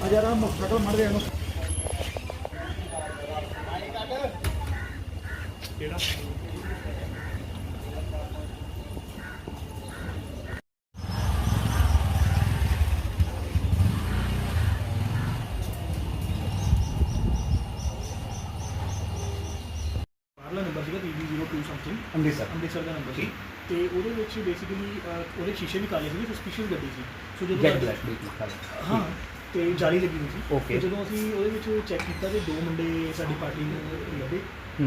जरा मोटरसाइकिल मर गया ਬਾਹਰਲਾ ਨੰਬਰ ਸੀਗਾ PB02 ਸਮਥਿੰਗ ਅੰਮ੍ਰਿਤਸਰ ਦਾ ਨੰਬਰ ਸੀ ਤੇ ਉਹਦੇ ਵਿੱਚ ਬੇਸਿਕਲੀ ਉਹਦੇ ਸ਼ੀਸ਼ੇ ਵੀ ਕਾਲੇ ਸੀਗੇ, ਸਸਪੀਸ਼ੀਅਸ ਗੱਡੀ ਸੀ। ਸੋ ਜਦੋਂ ਹਾਂ ਤੇ ਜਾਲੀ ਲੱਗੀ ਹੋਈ ਸੀ। ਤੇ ਜਦੋਂ ਅਸੀਂ ਉਹਦੇ ਵਿੱਚ ਚੈੱਕ ਕੀਤਾ ਤੇ ਦੋ ਮੁੰਡੇ ਸਾਡੀ ਪਾਰਟੀ ਨੂੰ ਲੱਭੇ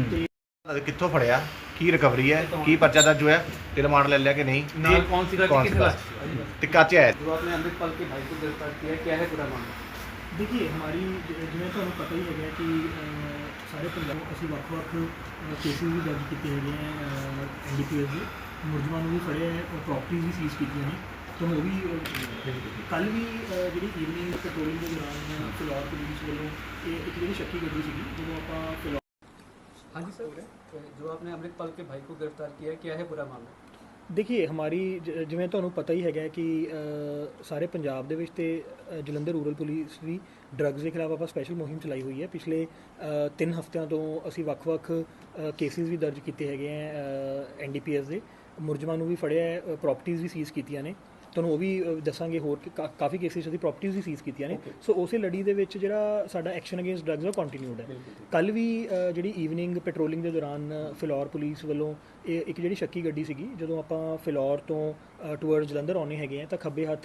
ਤੇ ਕਿੱਥੋਂ ਫੜਿਆ, ਕੀ ਰਿਕਵਰੀ ਹੈ, ਕੀ ਪਰਚਾ ਦਰਜ ਹੋਇਆ ਤੇ ਰਿਮਾਂਡ ले लिया कि नहीं, नाल कौन सी गाड़ी किस क्लास ਤੇ ਕਾਚੇ ਆਇਆ। जो आपने अमृतपाल के भाई को गिरफ्तार किया, क्या है पूरा मामला? देखिए हमारी जिवें ਤੁਹਾਨੂੰ पता ही है कि ਸਾਰੇ ਪੰਜਾਬ ਅਸੀਂ ਵੱਖ-ਵੱਖ ਕੇਸਿਸ ਵੀ ਦਰਜ ਕੀਤੇ ਹੈਗੇ ਆ NDPS ਦੇ ਮੁਲਜ਼ਮਾਂ ਨੂੰ ਵੀ ਫੜਿਆ ਹੈ ਔਰ ਪ੍ਰਾਪਰਟੀਜ਼ ਵੀ ਸੀਜ਼ ਕੀਤੀਆਂ ਨੇ। ਤੁਹਾਨੂੰ ਉਹ ਵੀ ਕੱਲ ਵੀ ਜਿਹੜੀ ਈਵਨਿੰਗ ਪੈਟਰੋਲਿੰਗ ਦੇ ਦੌਰਾਨ ਫਿਲੌਰ ਪੁਲਿਸ ਵੱਲੋਂ ਇੱਕ ਜਿਹੜੀ ਸ਼ੱਕੀ ਗੱਡੀ ਸੀਗੀ ਜਦੋਂ ਆਪਾਂ ਫਿਲੌਰ। हाँ जी सर, जो आपने अमृतपाल के भाई को गिरफ्तार किया, क्या है पूरा मामला? ਦੇਖੀਏ ਹਮਾਰੀ ਜਿਵੇਂ ਤੁਹਾਨੂੰ ਪਤਾ ਹੀ ਹੈਗਾ ਕਿ ਸਾਰੇ ਪੰਜਾਬ ਦੇ ਵਿੱਚ ਤੇ ਜਲੰਧਰ ਰੂਰਲ ਪੁਲਿਸ ਵੀ ਡਰੱਗਸ ਦੇ ਖਿਲਾਫ ਆਪਾਂ ਸਪੈਸ਼ਲ ਮੁਹਿੰਮ ਚਲਾਈ ਹੋਈ ਹੈ। ਪਿਛਲੇ 3 ਹਫ਼ਤਿਆਂ ਤੋਂ ਅਸੀਂ ਵੱਖ-ਵੱਖ ਕੇਸਿਸ ਵੀ ਦਰਜ ਕੀਤੇ ਹੈਗੇ ਆ NDPS ਦੇ ਮੁਲਜ਼ਮਾਂ ਨੂੰ ਵੀ ਫੜਿਆ ਹੈ, ਪ੍ਰਾਪਰਟੀਜ਼ ਵੀ ਸੀਜ਼ ਕੀਤੀਆਂ ਨੇ। ਤੁਹਾਨੂੰ ਉਹ ਵੀ ਦੱਸਾਂਗੇ ਹੋਰ ਕਿ ਕਾਫੀ ਕੇਸਿਸ ਦੀ ਪ੍ਰਾਪਰਟੀਜ਼ ਵੀ ਸੀਜ਼ ਕੀਤੀਆਂ ਨੇ। ਸੋ ਉਸੇ ਲੜੀ ਦੇ ਵਿੱਚ ਜਿਹੜਾ ਸਾਡਾ ਐਕਸ਼ਨ ਅਗੇਂਸਟ ਡਰੱਗਸ ਉਹ ਕੰਟੀਨਿਊਡ ਹੈ। ਕੱਲ ਵੀ ਜਿਹੜੀ ਈਵਨਿੰਗ ਪੈਟਰੋਲਿੰਗ ਦੇ ਦੌਰਾਨ ਫਿਲੌਰ ਪੁਲਿਸ ਵੱਲੋਂ ਇੱਕ ਜਿਹੜੀ ਸ਼ੱਕੀ ਗੱਡੀ ਸੀਗੀ ਜਦੋਂ ਆਪਾਂ ਫਿਲੌਰ ਤੋਂ ਟੂਵਰਡ ਜਲੰਧਰ ਆਉਣੇ ਹੈਗੇ ਆ ਤਾਂ ਖੱਬੇ ਹੱਥ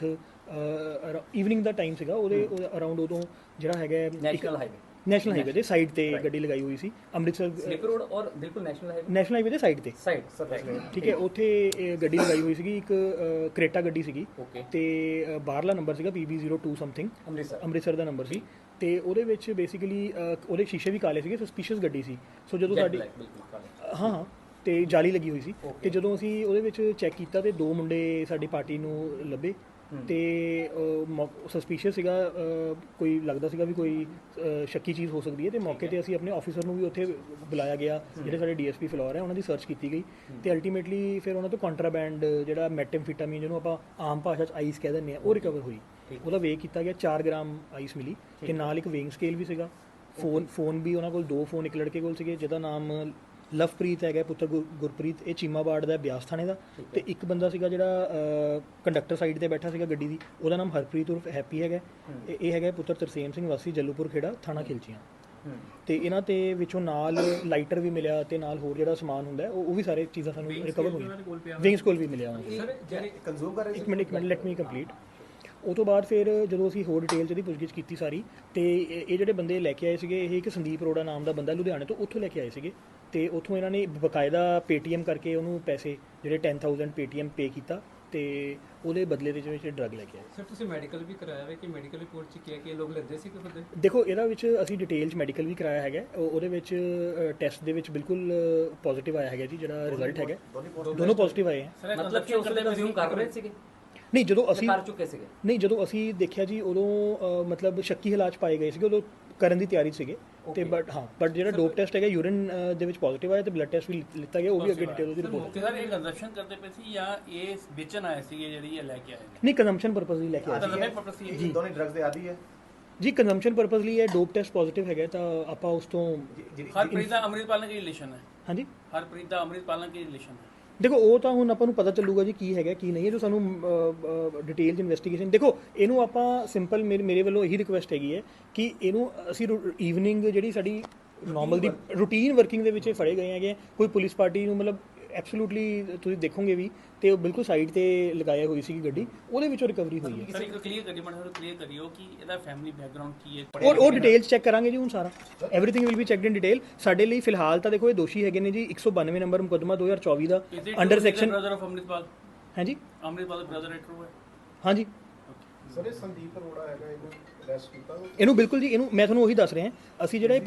ਈਵਨਿੰਗ ਦਾ ਟਾਈਮ ਸੀਗਾ ਉਹਦੇ ਅਰਾਊਂਡ ਉਦੋਂ ਜਿਹੜਾ ਹੈਗਾ ਨੈਸ਼ਨਲ ਹਾਈਵੇ ਦੇ ਸਾਈਡ ਤੇ ਗੱਡੀ ਲਗਾਈ ਹੋਈ ਸੀ ਅੰਮ੍ਰਿਤਸਰ स्लिपर रोड और बिल्कुल ਨੈਸ਼ਨਲ ਹਾਈਵੇ ਦੇ ਸਾਈਡ ਤੇ ਠੀਕ ਹੈ। ਉੱਥੇ ਗੱਡੀ ਲਗਾਈ ਹੋਈ ਸੀਗੀ ਇੱਕ ਕਰੇਟਾ ਗੱਡੀ ਸੀਗੀ ਤੇ ਬਾਹਰਲਾ ਨੰਬਰ ਸੀਗਾ PB02 ਸਮਥਿੰਗ ਅੰਮ੍ਰਿਤਸਰ ਦਾ ਨੰਬਰ ਸੀ ਤੇ ਉਹਦੇ ਵਿੱਚ ਬੇਸਿਕਲੀ ਉਹਦੇ ਸ਼ੀਸ਼ੇ ਵੀ ਕਾਲੇ ਸੀਗੇ, ਸਸਪੀਸ਼ੀਅਸ ਗੱਡੀ ਸੀ। ਸੋ ਜਦੋਂ ਸਾਡੀ ਹਾਂ ਤੇ ਜਾਲੀ ਲੱਗੀ ਹੋਈ ਸੀ ਤੇ ਜਦੋਂ ਅਸੀਂ ਉਹਦੇ ਵਿੱਚ ਚੈੱਕ ਕੀਤਾ ਤੇ ਦੋ ਮੁੰਡੇ ਸਾਡੀ ਪਾਰਟੀ ਨੂੰ ਲੱਭੇ ਤੇ ਸਸਪੀਸ਼ੀਅਸ ਸੀਗਾ, ਕੋਈ ਲੱਗਦਾ ਸੀਗਾ ਵੀ ਕੋਈ ਸ਼ੱਕੀ ਚੀਜ਼ ਹੋ ਸਕਦੀ ਹੈ ਤੇ ਮੌਕੇ ਤੇ ਅਸੀਂ ਆਪਣੇ ਆਫੀਸਰ ਨੂੰ ਵੀ ਉੱਥੇ ਬੁਲਾਇਆ ਗਿਆ ਜਿਹੜੇ ਸਾਡੇ DSP ਫਿਲੌਰ ਹੈ ਉਹਨਾਂ ਦੀ ਸਰਚ ਕੀਤੀ ਗਈ ਤੇ ਅਲਟੀਮੇਟਲੀ ਫਿਰ ਉਹਨਾਂ ਤੋਂ ਕੰਟਰਾਬੈਂਡ ਜਿਹੜਾ ਮੈਟੈਮਫੀਟਾਮੀਨ ਜਿਹਨੂੰ ਆਪਾਂ ਆਮ ਭਾਸ਼ਾ 'ਚ ਆਈਸ ਕਹਿ ਦਿੰਦੇ ਆ ਉਹ ਰਿਕਵਰ ਹੋਈ। ਉਹਦਾ ਵੇਅ ਕੀਤਾ ਗਿਆ 4 ਗ੍ਰਾਮ ਆਈਸ ਮਿਲੀ ਤੇ ਨਾਲ ਇੱਕ ਵੇਇੰਗ ਸਕੇਲ ਵੀ ਸੀਗਾ। ਫੋਨ ਵੀ ਉਹਨਾਂ ਕੋਲ 2 ਫੋਨ ਇੱਕ ਲੜਕੇ ਕੋਲ ਸੀਗੇ ਜਿਹਦਾ ਨਾਮ ਲਵਪ੍ਰੀਤ ਹੈਗਾ ਪੁੱਤਰ ਗੁਰਪ੍ਰੀਤ, ਇਹ ਚੀਮਾਬਾੜ ਦਾ ਬਿਆਸ ਥਾਣੇ ਦਾ ਤੇ ਇੱਕ ਬੰਦਾ ਸੀਗਾ ਜਿਹੜਾ ਕੰਡਕਟਰ ਸਾਈਡ ਤੇ ਬੈਠਾ ਸੀਗਾ ਗੱਡੀ ਦੀ, ਉਹਦਾ ਨਾਮ ਹਰਪ੍ਰੀਤ ਉਰਫ ਹੈਪੀ ਹੈਗਾ। ਇਹ ਹੈਗਾ ਪੁੱਤਰ ਤਰਸੇਮ ਸਿੰਘ ਵਾਸੀ ਜੱਲੂਪੁਰ ਖੇੜਾ ਥਾਣਾ ਖਿਲਚੀਆਂ ਤੇ ਇਹਨਾਂ ਤੇ ਵਿੱਚੋਂ ਨਾਲ ਲਾਈਟਰ ਵੀ ਮਿਲਿਆ ਤੇ ਨਾਲ ਹੋਰ ਜਿਹੜਾ ਸਮਾਨ ਹੁੰਦਾ ਉਹ ਵੀ ਸਾਰੇ ਚੀਜ਼ਾਂ ਸਾਨੂੰ ਰਿਕਵਰ ਹੋਈਆਂ। ਵਿੰਗਸ ਕੋਲ ਵੀ ਮਿਲਿਆ ਇੱਕ ਮਿੰਟ ਲੈਟ ਮੀ ਕੰਪਲੀਟ। ਉਹ ਤੋਂ ਬਾਅਦ ਫਿਰ ਜਦੋਂ ਅਸੀਂ ਹੋਰ ਡਿਟੇਲ 'ਚ ਇਹਦੀ ਪੁੱਛਗਿੱਛ ਕੀਤੀ ਸਾਰੀ ਤੇ ਇਹ ਜਿਹੜੇ ਬੰਦੇ ਲੈ ਕੇ ਆਏ ਸੀਗੇ ਇਹ ਇੱਕ ਸੰਦੀਪ ਅਰੋੜਾ ਨਾਮ ਦਾ ਬੰਦਾ ਲੁਧਿਆਣੇ ਤੋਂ ਉੱਥੋਂ ਲੈ ਕੇ ਆਏ ਸੀਗੇ ਤੇ ਉੱਥੋਂ ਇਹਨਾਂ ਨੇ ਬਕਾਇਦਾ ਪੇਟੀਐਮ ਕਰਕੇ ਉਹਨੂੰ ਪੈਸੇ ਜਿਹੜੇ 10,000 ਪੇਟੀਐਮ ਪੇ ਕੀਤਾ ਤੇ ਉਹਦੇ ਬਦਲੇ ਦੇ ਵਿੱਚ ਡਰੱਗ ਲੈ ਕੇ ਆਏ। ਸਰ ਤੁਸੀਂ ਮੈਡੀਕਲ ਵੀ ਕਰਾਇਆ ਹੈ ਕਿ ਮੈਡੀਕਲ ਰਿਪੋਰਟ 'ਚ ਕੀ ਲੋਕ ਲੈਂਦੇ ਸੀ ਕਿ ਖੁਦ? ਦੇਖੋ ਇਹਦਾ ਵਿੱਚ ਅਸੀਂ ਡਿਟੇਲ 'ਚ ਮੈਡੀਕਲ ਵੀ ਕਰਾਇਆ ਹੈਗਾ, ਉਹਦੇ ਵਿੱਚ ਟੈਸਟ ਦੇ ਵਿੱਚ ਬਿਲਕੁਲ ਪੋਜ਼ਿਟਿਵ ਆਇਆ ਹੈਗਾ ਜੀ ਜਿਹੜਾ ਰਿਜ਼ਲਟ ਹੈਗਾ, ਦੋਨੋਂ ਪੋਜ਼ਿਟਿਵ ਆਏ ਹੈ। ਮਤਲਬ ਕਿ ਉਸ ਵੇਲੇ ਕੰਜ਼ਿਊਮ ਕਰ ਰਹੇ ਸੀਗੇ? ਨਹੀਂ ਜਦੋਂ ਅਸੀਂ ਕਰ ਚੁੱਕੇ ਸੀਗੇ? ਨਹੀਂ ਜਦੋਂ ਅਸੀਂ ਦੇਖਿਆ ਜੀ ਉਦੋਂ ਮਤਲਬ ਸ਼ੱਕੀ ਹਾਲਾਤ 'ਚ ਪਾਏ ਗਏ ਸੀਗੇ, ਉਦੋਂ ਕਰਨ ਦੀ ਤਿਆਰੀ ਸੀਗੇ ਤੇ ਬਟ ਜਿਹੜਾ ਡੋਪ ਟੈਸਟ ਹੈਗਾ ਯੂਰਿਨ ਦੇ ਵਿੱਚ ਪੋਜ਼ਿਟਿਵ ਆਇਆ ਤੇ ਬਲੱਡ ਟੈਸਟ ਵੀ ਲਿੱਤਾ ਗਿਆ, ਉਹ ਵੀ ਅੱਗੇ ਡਿਟੇਲ ਉਹਦੀ ਰਿਪੋਰਟ। ਸਰ ਇਹ ਕੰਜ਼ੰਪਸ਼ਨ ਕਰਦੇ ਪਏ ਸੀ ਜਾਂ ਇਹ ਵੇਚਣ ਆਏ ਸੀਗੇ ਜਿਹੜੀ ਇਹ ਲੈ ਕੇ ਆਏ? ਨਹੀਂ ਕੰਜ਼ੰਪਸ਼ਨ ਪਰਪਸ ਲਈ ਲੈ ਕੇ ਆਏ ਸੀ ਜੀ। ਦੋਨੇ ਡਰੱਗਸ ਦੇ ਆਦੀ ਹੈ ਜੀ, ਕੰਜ਼ੰਪਸ਼ਨ ਪਰਪਸ ਲਈ ਇਹ ਡੋਪ ਟੈਸਟ ਪੋਜ਼ਿਟਿਵ ਹੈਗਾ ਤਾਂ ਆਪਾਂ ਉਸ ਤੋਂ ਹਰਪ੍ਰੀਤ ਦਾ ਅੰਮ੍ਰਿਤਪਾਲ ਨਾਲ ਕੀ ਰਿਲੇਸ਼ਨ ਹੈ? ਹਾਂਜੀ ਹਰਪ੍ਰੀਤ ਦਾ ਅੰਮ੍ਰਿਤਪਾਲ ਨਾਲ ਕੀ ਰਿਲੇਸ਼ਨ ਹੈ? ਦੇਖੋ ਉਹ ਤਾਂ ਹੁਣ ਆਪਾਂ ਨੂੰ ਪਤਾ ਚੱਲੂਗਾ ਜੀ ਕੀ ਹੈਗਾ ਕੀ ਨਹੀਂ ਹੈ, ਜੋ ਸਾਨੂੰ ਡਿਟੇਲ 'ਚ ਇਨਵੈਸਟੀਗੇਸ਼ਨ। ਦੇਖੋ ਇਹਨੂੰ ਆਪਾਂ ਸਿੰਪਲ ਮੇਰੇ ਵੱਲੋਂ ਇਹੀ ਰਿਕੁਐਸਟ ਹੈਗੀ ਹੈ ਕਿ ਇਹਨੂੰ ਅਸੀਂ ਈਵਨਿੰਗ ਜਿਹੜੀ ਸਾਡੀ ਨਾਰਮਲ ਦੀ ਰੂਟੀਨ ਵਰਕਿੰਗ ਦੇ ਵਿੱਚ ਫੜੇ ਗਏ ਹੈਗੇ, ਕੋਈ ਪੁਲਿਸ ਪਾਰਟੀ ਨੂੰ ਮਤਲਬ ਐਬਸੋਲੂਟਲੀ ਤੁਸੀਂ ਦੇਖੋਗੇ ਵੀ ਤੇ ਉਹ ਬਿਲਕੁਲ ਸਾਈਡ ਤੇ ਲਗਾਇਆ ਹੋਈ ਸੀ ਗੱਡੀ, ਉਹਦੇ ਵਿੱਚੋਂ ਰਿਕਵਰੀ ਹੋਈ ਹੈ। ਸਰ ਇੱਕ ਕਲੀਅਰ ਕਰਿਓ ਕਿ ਇਹਦਾ ਫੈਮਿਲੀ ਬੈਕਗ੍ਰਾਉਂਡ ਕੀ ਹੈ? ਉਹ ਡਿਟੇਲ ਚੈੱਕ ਕਰਾਂਗੇ ਜੀ ਹੁਣ ਸਾਰਾ, everything will be checked in detail. ਸਾਡੇ ਲਈ ਫਿਲਹਾਲ ਤਾਂ ਦੇਖੋ ਇਹ ਦੋਸ਼ੀ ਹੈਗੇ ਨੇ ਜੀ 192 ਨੰਬਰ ਮੁਕੱਦਮਾ 2024 ਦਾ under section. Brother of Amritpal? ਹਾਂਜੀ ਅੰਮ੍ਰਿਤਪਾਲ ਦਾ ਬ੍ਰਦਰ ਹੈ, ਟਰੂ ਹੈ? ਹਾਂਜੀ ਸਰ ਇਹ ਸੰਦੀਪ ਅਰੋੜਾ ਹੈਗਾ, ਇਹਨੂੰ ਅਰੈਸਟ ਕੀਤਾ ਇਹਨੂੰ ਬਿਲਕੁਲ ਜੀ, ਇਹਨੂੰ ਮੈਂ ਤੁਹਾਨੂੰ ਉਹੀ ਦੱਸ ਰਿਹਾ ਅਸੀਂ ਜਿਹੜਾ ਇਹ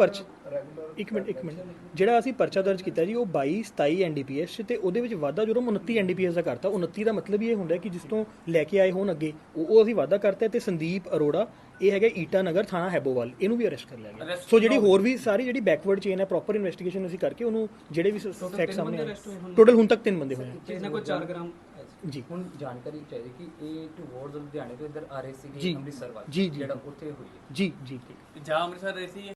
ਇੱਕ ਮਿੰਟ ਜਿਹੜਾ ਅਸੀਂ ਪਰਚਾ ਦਰਜ ਕੀਤਾ ਜੀ ਉਹ 22 27 NDPS ਤੇ ਉਹਦੇ ਵਿੱਚ ਵਾਧਾ ਜੁਰਮ 29 NDPS ਦਾ ਕਰਤਾ। 29 ਦਾ ਮਤਲਬ ਇਹ ਹੁੰਦਾ ਕਿ ਜਿਸ ਤੋਂ ਲੈ ਕੇ ਆਏ ਹੋਣ ਅੱਗੇ ਉਹ ਅਸੀਂ ਵਾਧਾ ਕਰਤਾ ਤੇ ਸੰਦੀਪ ਅਰੋੜਾ ਇਹ ਹੈਗਾ ਈਟਾ ਨਗਰ ਥਾਣਾ ਹੈਬੋਵਾਲ, ਇਹਨੂੰ ਵੀ ਅਰੈਸਟ ਕਰ ਲਿਆ ਗਿਆ। ਸੋ ਜਿਹੜੀ ਹੋਰ ਵੀ ਸਾਰੀ ਜਿਹੜੀ ਬੈਕਵਰਡ ਚੇਨ ਹੈ ਪ੍ਰੋਪਰ ਇਨਵੈਸਟੀਗੇਸ਼ਨ ਅਸੀਂ ਕਰਕੇ ਉਹਨੂੰ ਜਿਹੜੇ ਵੀ ਫੈਕਟ ਸਾਹਮਣੇ ਆਏ, ਟੋਟਲ ਹੁਣ ਤੱਕ 3 ਬੰਦੇ ਹੋਏ ਇਹਨਾਂ ਕੋਲ 4 ਗ੍ਰਾਮ ਜੀ ਹੁਣ ਜਾਣਕਾਰੀ ਚਾਹੀਦੀ ਕਿ ਇਹ ਟੂਵਰਡਸ ਲੁਧਿਆਣੇ ਤੋਂ ਇੱਧਰ ਆ ਰਹੇ ਜੀ। ਸੀਗੇ ਅੰਮ੍ਰਿਤਸਰ ਵੱਲ ਜੀ, ਜੀ। ਜਿਹੜਾ ਉੱਥੇ ਹੋਈ ਹੈ ਜੀ ਜੀ ਜਾਂ ਅੰਮ੍ਰਿਤਸਰ ਰਹੇ ਸੀ